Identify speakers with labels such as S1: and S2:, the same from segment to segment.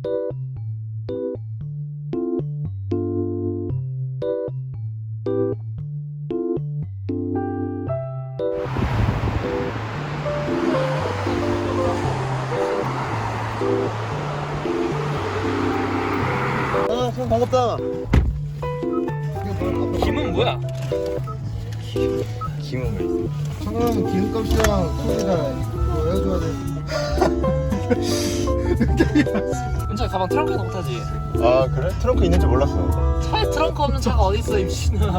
S1: 아, 참 반갑다.
S2: 김은 뭐야?
S1: 김은 왜 있어? 청랑 기름값이랑 소리랑 그거 해줘야 돼.
S2: 은찬이 가방 트렁크에 넣고 타지.
S1: 아 그래? 트렁크 있는 줄 몰랐어.
S2: 차에 트렁크 없는 차가 어딨어 이 미친놈아.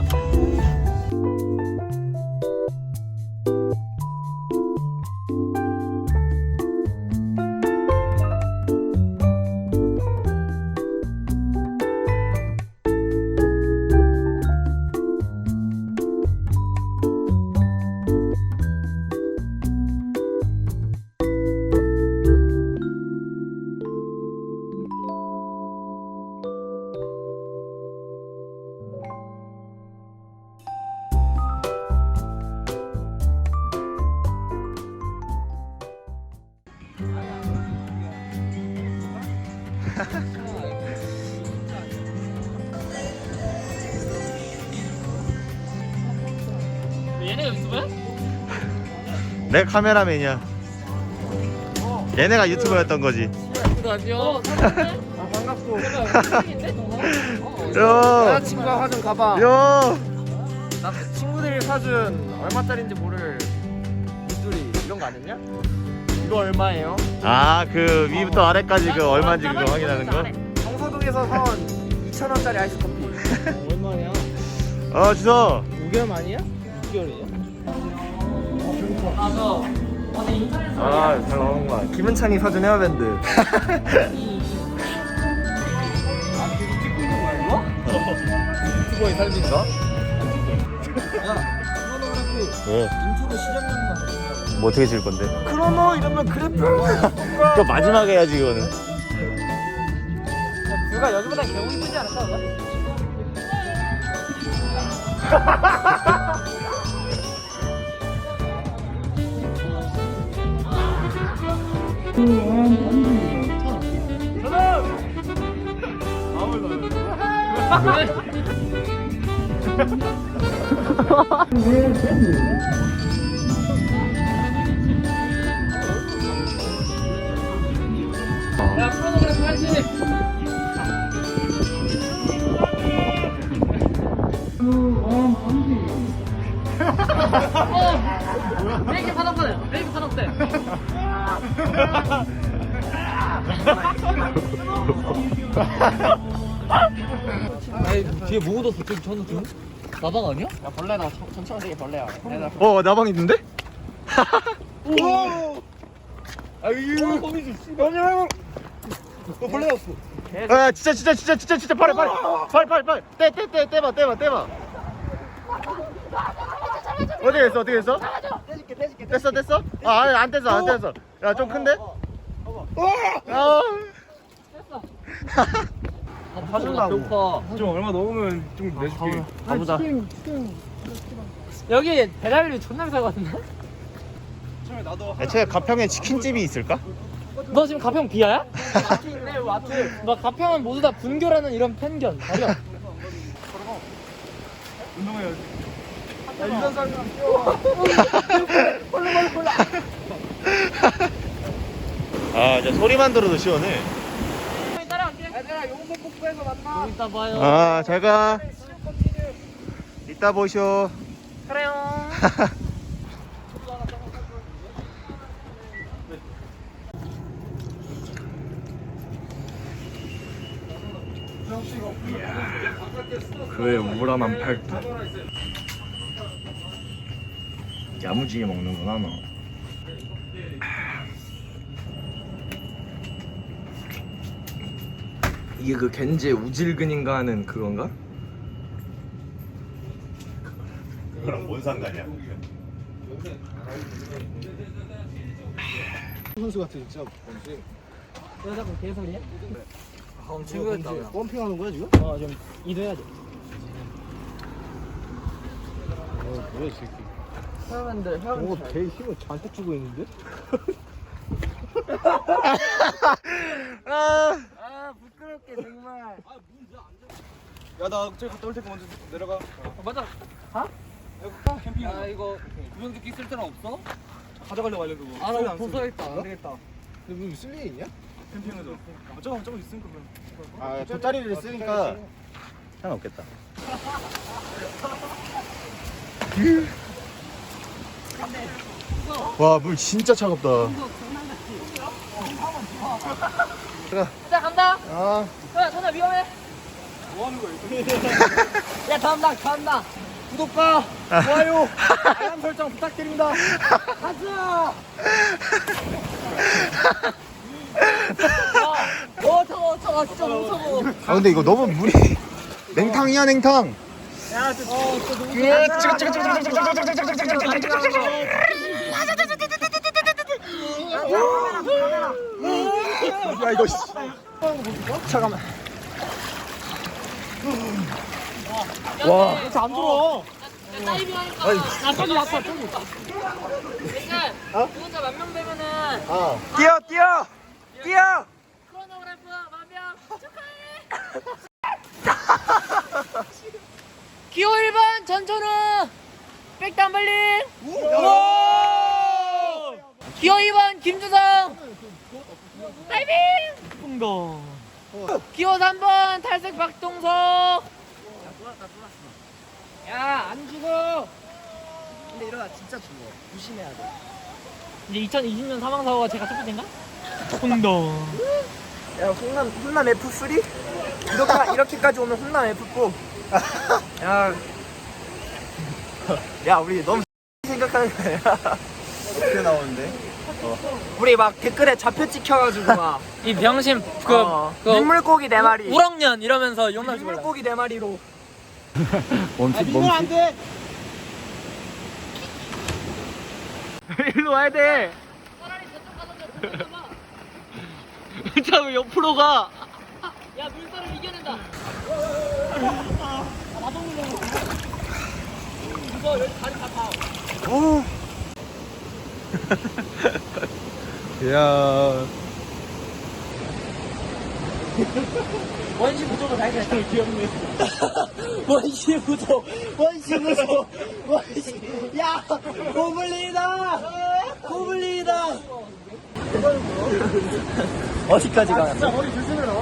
S2: 얘네가 유튜브야?
S1: 내 카메라맨이야. 얘네가 유튜버였던 거지.
S2: 안녕.
S3: 반갑고.
S1: 야,
S3: 친구가 사준 가방.
S1: 야,
S3: 나 친구들이 사준 얼마짜리인지 모를 물들이 이런 거 아니냐? 이거 얼마예요?
S1: 아, 그 위부터 아래까지 그 얼마인지 그거 확인하는 거?
S3: 정서동에서 사온 2,000원짜리 아이스커피. 얼마냐?
S1: 주서.
S3: 6개월 만이야? 6개월이야?
S2: 맞아. 아니 인터넷에서
S3: 아, 잘 나오는구만. 김은찬이 사준 헤어밴드. 유튜버의 삶인가?
S1: 왜?
S3: 인트로 시작하는
S1: 뭐 어떻게 줄 건데?
S3: 크로노 이러면 그래프.
S1: 그거 마지막에 해야지 이거는.
S3: 뷰가 여기보다 개우 이쁘지 않을까? 그거?
S2: 야 프로그램 할지. 브레이크 파닥거려. 브레이크 파닥대. 아니 뒤에 뭐 묻었어? 지금 저는 좀 나방 아니야?
S3: 야 벌레다. 천천히 벌레야.
S1: 나방 있는데?
S3: 아유.
S2: 거미줄.
S3: 벌레였어.
S1: 아, 진짜 빨리 떼봐. 어떻게 했어? 떼줄게. 뗐어? 아, 아니, 안 뗐어. 야, 좀 큰데? 아.
S3: 사준다고.
S2: 배고파.
S3: 좀 얼마 넣으면 좀 내줄게.
S1: 가보자.
S2: 여기 배달비 존나 비쌀 것 같은데?
S1: 애초에 가평에 치킨집이 있을까?
S2: 너 지금 가평 비하야? 마트 있네 마트. 너 가평은 모두 다 분교라는 이런 편견 버려.
S3: 운동해야지. 야, 이런 사람이랑 뛰어.
S1: 아, 이제 소리만 들어도 시원해.
S3: 얘들아 용서 폭포에서 만나.
S2: 좀 이따 봐요.
S1: 아, 잘 가. 이따 보쇼.
S2: 그래요.
S1: 그의 우람한 팔뚝. 야무지게 먹는구나 너.
S3: 이게 그 겐제 우질근인가 하는 그건가?
S1: 그거랑 뭔 상관이야? 선수 같아 진짜.
S2: 여자 분 개소리야?
S3: 친구였다.
S1: 펌핑하는 거야 지금?
S2: 좀 이도해야 돼.
S1: 뭐야 이 새끼.
S3: 헤어밴드
S1: 저거 개 힘을 잔뜩 주고 있는데? 아.
S3: 야나 저기 갔다 올 테니까 먼저 내려가.
S2: 맞아.
S3: 캠핑.
S2: 야 이거 구명조끼 쓸 데는 없어?
S3: 가져가려고 하려고 그거.
S2: 아
S3: 저기
S2: 나
S3: 안
S2: 벗어야겠다.
S3: 쓰고.
S2: 안 되겠다.
S1: 근데 무슨 쓸 일이 있냐?
S3: 캠핑에서. 저거 있으니까 그럼.
S1: 아 돗자리를 쓰니까 상관없겠다. 와 물 진짜 차갑다.
S2: 자 간다.
S1: 아
S2: 야 전화 위험해.
S3: 뭐 하는 거야 이거?
S2: 야 다음당.
S3: 구독과 좋아요, 알람 설정 부탁드립니다.
S2: 가자. 차가워 진짜 너무 차가워.
S1: 아 근데 이거 너무 물이 냉탕이야 냉탕.
S2: 야 진짜 너무
S1: 야 이거 잠깐만. 와.
S2: 안 들어. 다이빙 하니까 나 저기 왔어 저기. 그러니까 구독자 10,000명 되면은
S1: 아.
S3: 뛰어.
S2: 크로노그래프 10,000명 축하해. 기호 1번 전천우 백담블링. 기호 2번 김주성 다이빙. 풍덩. 기호 3번 탈색 박동석. 야 안 죽어.
S3: 근데 이러다 진짜 죽어. 조심해야 돼.
S2: 이제 2020년 사망사고가 제가 첫 번째인가? 풍덩.
S3: 야 훈남 F3? 이렇게까지 오면 훈남 F4. 야 우리 너무 생각하는 거야. 어떻게 나오는데? 우리 막 댓글에 좌표 찍혀가지고 막
S2: 이 병신
S3: 민물고기 4마리,
S2: 우럭년 이러면서 욕나지 말라.
S3: 민물고기 4마리로.
S1: 멈칫.
S3: 돼. 일로 와야 돼.
S2: 차라리 저쪽 가서 봐.
S3: 진짜 왜 옆으로 가?
S2: 야 물살을 이겨낸다. 이거 여기 다리 다 봐.
S1: 오. 야.
S2: 원시 부족을 발견했다. 귀엽네.
S3: 원시 부족. 야, 고블린이다. 어디까지 가? 진짜 머리 조심해 너.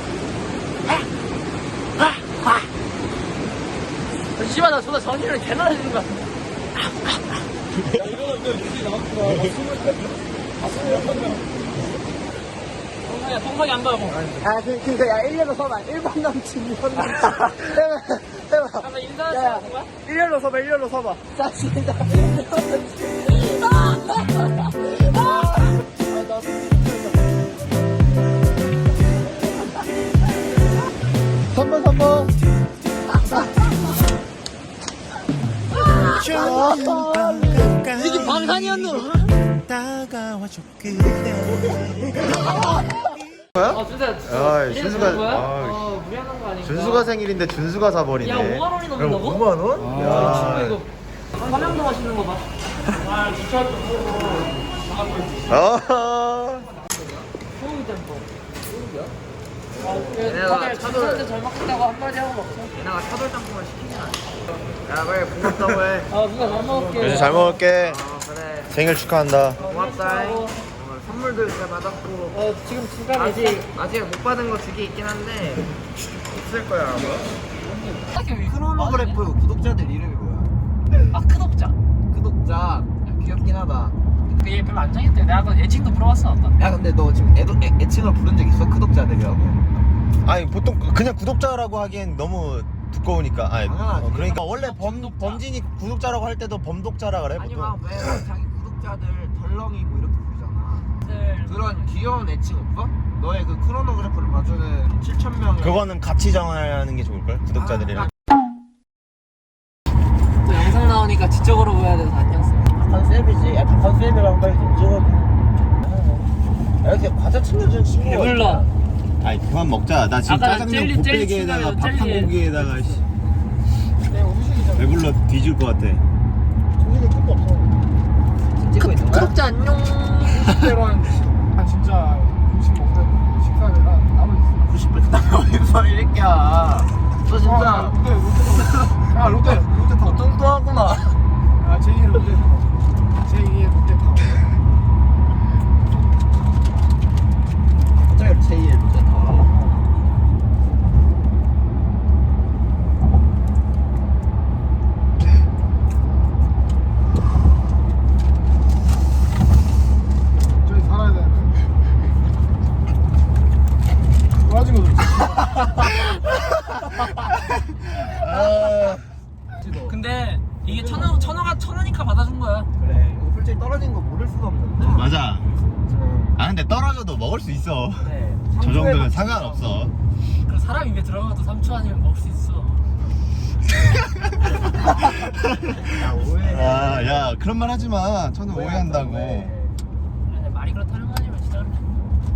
S2: 씨발 나 존나 전이를 개나 해주는 거야. 동석이 안 가고.
S3: 그니까 야 1년로 서봐. 1번 남친 2번 남친. 해봐.
S2: 잠깐 인사하는 거야?
S3: 1년로 서봐. 자, 시작.
S1: 3번.
S2: 이게 방탄이었노? 준수야.
S1: 아, 준수가.
S2: 무리하는 거 아닌가?
S1: 준수가 생일인데 준수가 사버리네.
S2: 야, 5만 원이
S1: 그럼
S2: 넘는다고?
S1: 5만 원? 야.
S2: 이거 화명도 맛있는 거 봐.
S1: 아.
S2: 소고기 짬뽕.
S3: 얘네가
S2: 다들 준수한테 잘 먹겠다고 한마디 하고 먹자.
S3: 얘네가 차돌짬뽕을 시키진 않아. 야, 빨리 고맙다고 해.
S2: 준수야 잘 먹을게.
S1: 준수 잘 먹을게.
S3: 그래.
S1: 생일 축하한다.
S3: 고맙다. 선물도 잘 받았고.
S2: 지금 중간에
S3: 아직 못 받은 거 2개 있긴 한데 있을 거야 아마.
S2: 크로노그래프
S3: 구독자들 이름이 뭐야?
S2: 아 크독자.
S3: 구독자. 야, 귀엽긴 하다.
S2: 근데 얘 별로 안 정했대. 내가 아까 애칭도 물어봤어 아까.
S3: 야 근데 너 지금 애칭을 부른 적 있어? 구독자들이라고?
S1: 아니 보통 그냥 구독자라고 하기엔 너무 두꺼우니까. 아니
S3: 당연하지.
S1: 그러니까 원래 범진이 구독자라고 할 때도 범독자라 그래
S3: 아니
S1: 보통.
S3: 막 왜 자기 구독자들 덜렁이 뭐 이렇게 부르잖아. 그런 귀여운 애칭 없어? 너의 그 크로노그래프를 봐주는 7,000명의
S1: 그거는 같이 정하는 게 좋을걸? 구독자들이랑.
S2: 또 영상 나오니까 지적으로 보여야 돼서 안녕 써.
S3: 컨셉이지. 약간 컨셉이랑 빨리 좀 찍어. 이렇게 과자 챙겨주는 친구가
S2: 배불러.
S1: 아이 그만 먹자. 나 지금
S2: 아까
S1: 짜장면
S2: 젤리
S1: 곱빼기에다가
S2: 친구예요,
S1: 밥 한
S2: 젤리.
S1: 공기에다가 씨.
S3: 내 음식이잖아.
S1: 배불러 뒤질 것 같아.
S3: 종이가 끝도 없어. 찍고 있는 거야?
S2: 구독자 안녕.
S4: 20대랑 진짜 음식 먹는 식사회랑 나눠 있어.
S3: 90분 그다음에 어디서 이렇게 새끼야. 너 진짜.
S4: 야 롯데 타워.
S3: 뚱뚱하구나.
S4: 아 제2의 롯데 타워. 제2의 롯데 타워.
S3: 갑자기 제2의 롯데타워.
S4: 저기 살아야 되는데. 좋아진 거도 있어.
S2: 근데 이게 천원이니까 받아준 거야.
S3: 그래. 이거 솔직히 떨어진 거 모를 수가 없는데.
S1: 맞아. 아 근데 떨어져도 먹을 수 있어.
S3: 네.
S1: 저 정도면 상관없어.
S2: 그 사람 입에 들어가도 3초 아니면 먹을 수 있어.
S3: 야 오해.
S1: 아, 야 그런 말 하지 마. 저는 오해한다고.
S2: 그래, 말이 그렇다는 거 아니면 진짜 그렇게.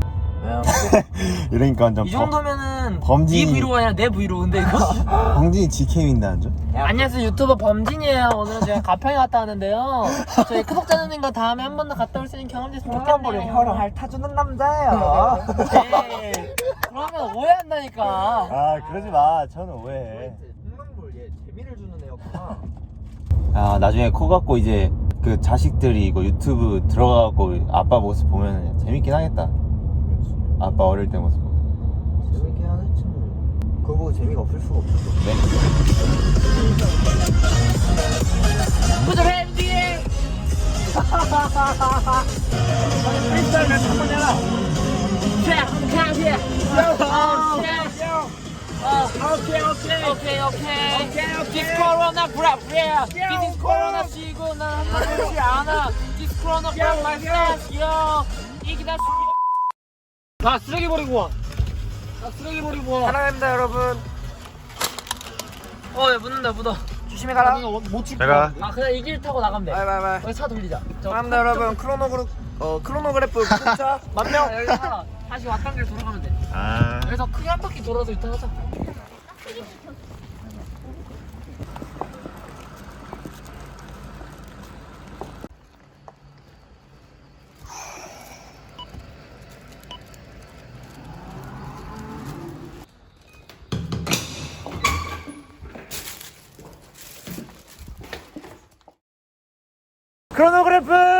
S1: 이러니까 완전
S2: 이 정도면은
S1: 범진이-
S2: 네 브이로그가 아니라 내 브이로그인데 이거?
S1: 광진이 GK인데 안 줘?
S2: 안녕하세요, 유튜버 범진이에요. 오늘은 제가 가평에 갔다 왔는데요. 저희 구독자님과 다음에 한 번 더 갔다 올 수 있는 경험 됐으면 좋겠네요.
S3: 혀를 핥아주는 남자예요.
S2: 네. 그러면 오해한다니까.
S1: 아 그러지 마. 저는 오해해.
S3: 홍명볼 얘 재미를 주는 애였구나.
S1: 아 나중에 커갖고 이제 그 자식들이 이거 유튜브 들어가고 아빠 모습 보면 재밌긴 하겠다. 아빠 어릴 때 모습.
S3: 재밌게 하겠지 뭐. 그거 보고 재미가 없을 수가 없어.
S1: 네.
S2: Put your hands in the air.
S4: 프리스타일을 한번 해라.
S2: Yeah, count here. Okay. This Corona grab, yeah. This is Corona 시고 난 그렇지 않아. This Corona grab my fast, yo. 이게 다 나 쓰레기 버리고 와.
S3: 사랑합니다 여러분.
S2: 야, 묻어.
S3: 조심히 가라.
S4: 못 찍고.
S1: 제가
S2: 아, 그냥 이 길 타고 나가면 돼.
S3: 바이바이바이.
S2: 여기 차 돌리자.
S3: 사랑합니다 여러분. 크로노그래프 구독자 만명.
S2: 여기서 다시 왔던 길 돌아가면 돼.
S1: 아
S2: 여기서 크게 한 바퀴 돌아서 유턴하자.
S3: 크로노그래프.